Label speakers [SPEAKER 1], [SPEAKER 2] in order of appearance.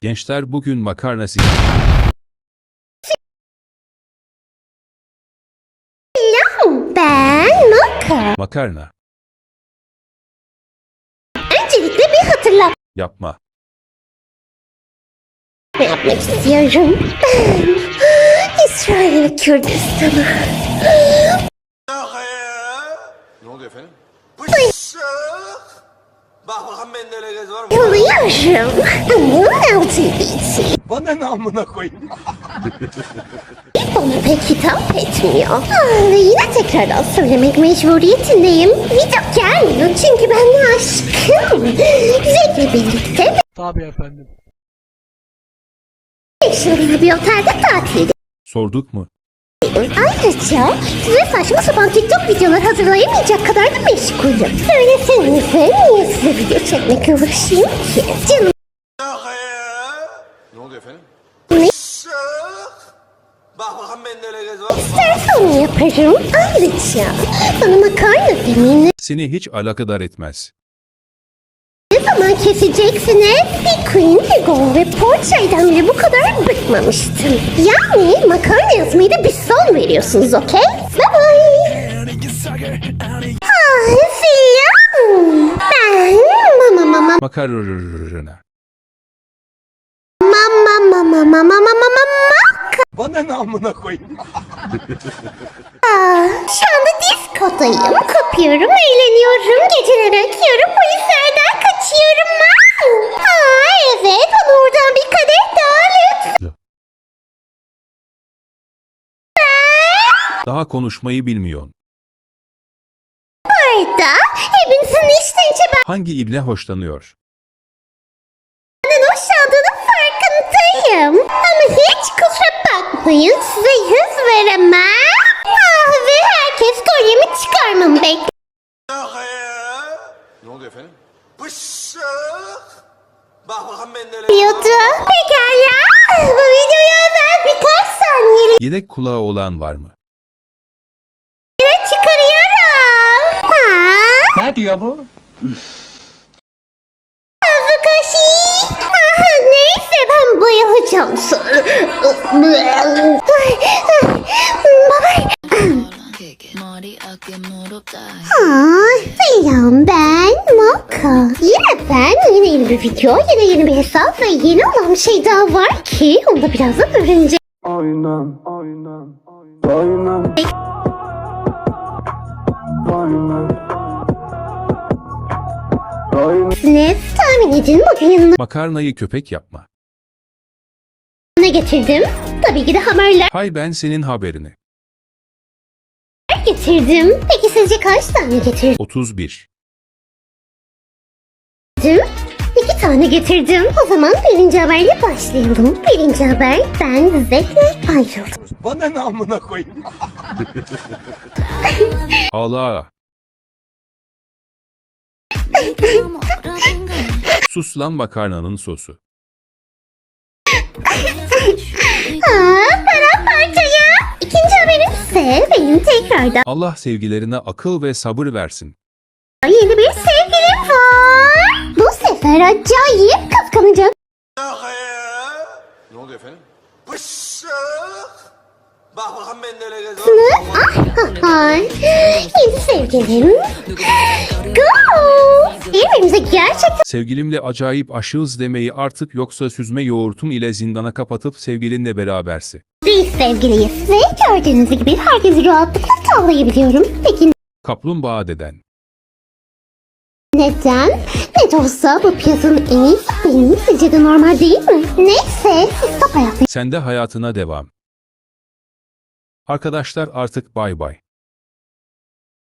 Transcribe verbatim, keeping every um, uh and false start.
[SPEAKER 1] Gençler bugün makarna si...
[SPEAKER 2] Ben Maka.
[SPEAKER 1] Makarna.
[SPEAKER 2] Öncelikle bir hatırlatma
[SPEAKER 1] Yapma.
[SPEAKER 2] yapmak istiyorum. Ben İsrail ve Kürdistan'ı.
[SPEAKER 3] Ne oluyor efendim? Bıçak! Bak bakalım bende öyle göz var mı?
[SPEAKER 2] Yoluyorum. Bunun altı için.
[SPEAKER 3] Bana ne amına koyayım?
[SPEAKER 2] Bana pek hitap etmiyor. Ah, ve yine tekrardan söylemek mecburiyetindeyim. Video gelmiyor çünkü ben aşkım. Zevkle birlikte
[SPEAKER 4] Tabii efendim.
[SPEAKER 2] beş yıldızlı bir otelde tatil
[SPEAKER 1] Sorduk mu?
[SPEAKER 2] Ayrıca size saçma sapan TikTok videolar hazırlayamayacak kadar da meşgulüm. Söylesenize niye size video çekmekle uğraşayım ki? Canım
[SPEAKER 3] Ne oluyor efendim?
[SPEAKER 2] ne
[SPEAKER 3] Bıçak! Bak bakalım bende öyle göz var mı?
[SPEAKER 2] isterse onu yaparım. Ayrıca bana makarna demeyin.
[SPEAKER 1] Seni hiç alakadar etmez.
[SPEAKER 2] Ne zaman keseceksiniz? Bir Queen, bir Go ve Porsche'den bile bu kadar bıkmamıştım. Yani makarna yazmayı da bir son veriyorsunuz, okey? Bye bye. Ah filan. Ben mama mama
[SPEAKER 1] Makarna.
[SPEAKER 2] mama mama mama mama mama.
[SPEAKER 3] Bana ne amına koyayım?
[SPEAKER 2] Aa, şu anda diskodayım. Kopuyorum, eğleniyorum. Geceleri akıyorum. Polislerden kaçıyorum. Aa, Aa, evet. Bana oradan bir kadeh daha lütfen.
[SPEAKER 1] Daha konuşmayı bilmiyorsun.
[SPEAKER 2] Arda, hepinizin içten içe
[SPEAKER 1] Hangi ibne hoşlanıyor?
[SPEAKER 2] benden hoşlandığının farkındayım. Ama hiç kusura bakmayın. Size yüz veremem. Ah, ve herkes kolyemi çıkarmamı bekliyor.
[SPEAKER 3] Ne oluyor efendim? Bıçak! Bak bakalım bende öyle
[SPEAKER 2] Pekala. Bu videoya özel birkaç saniye
[SPEAKER 1] Yedek kulağı olan var mı?
[SPEAKER 2] çıkarıyorum. Ha?
[SPEAKER 4] Ne diyor bu?
[SPEAKER 2] Fukashi. Ah, neyse ben bayılacağım sonra. Baba.
[SPEAKER 5] 머리 어깨 무릎 다
[SPEAKER 2] Aa, selam ben Moka. Yine ben, yine yeni bir video, yine yeni bir hesap ve yeni olan bir şey daha var ki onu da birazdan öğreneceğiz.
[SPEAKER 6] Aynen, aynen, aynen, aynen, aynen.
[SPEAKER 2] Tahmin edin bugün yanına
[SPEAKER 1] Makarnayı köpek yapma.
[SPEAKER 2] ne getirdim? Tabii ki de haberler
[SPEAKER 1] Hay ben senin haberini.
[SPEAKER 2] getirdim. Peki sizce kaç tane getirdim?
[SPEAKER 1] otuz bir.
[SPEAKER 2] İki tane getirdim. O zaman birinci haberle başlayalım. Birinci haber, ben Zek'le ayrıldım.
[SPEAKER 3] Bana ne amına koyayım?
[SPEAKER 1] Allah. Sus lan makarnanın sosu.
[SPEAKER 2] Aa, paramparçaya. İkinci haberim ise benim tekrardan
[SPEAKER 1] Allah sevgilerine akıl ve sabır versin.
[SPEAKER 2] yeni bir sevgilim var. Bu sefer acayip kıskanacak.
[SPEAKER 3] Ne oluyor efendim? Bıçak! Bak bakalım bende öyle göz var mı?
[SPEAKER 2] Ah, ah, yeni sevgilim. Go! Birbirimize gerçekten
[SPEAKER 1] Sevgilimle acayip aşığız demeyi artık yoksa süzme yoğurtum ile zindana kapatıp sevgilinle berabersi.
[SPEAKER 2] biz sevgiliyiz. Ve gördüğünüz gibi herkesi rahatlıkla tavlayabiliyorum. Peki
[SPEAKER 1] Kaplumbağa deden.
[SPEAKER 2] neden? Ne de olsa bu piyasanın en iyisi benim. Sizce de normal değil mi? Neyse, siz top hayatı
[SPEAKER 1] Sen de hayatına devam. Arkadaşlar artık bay bay.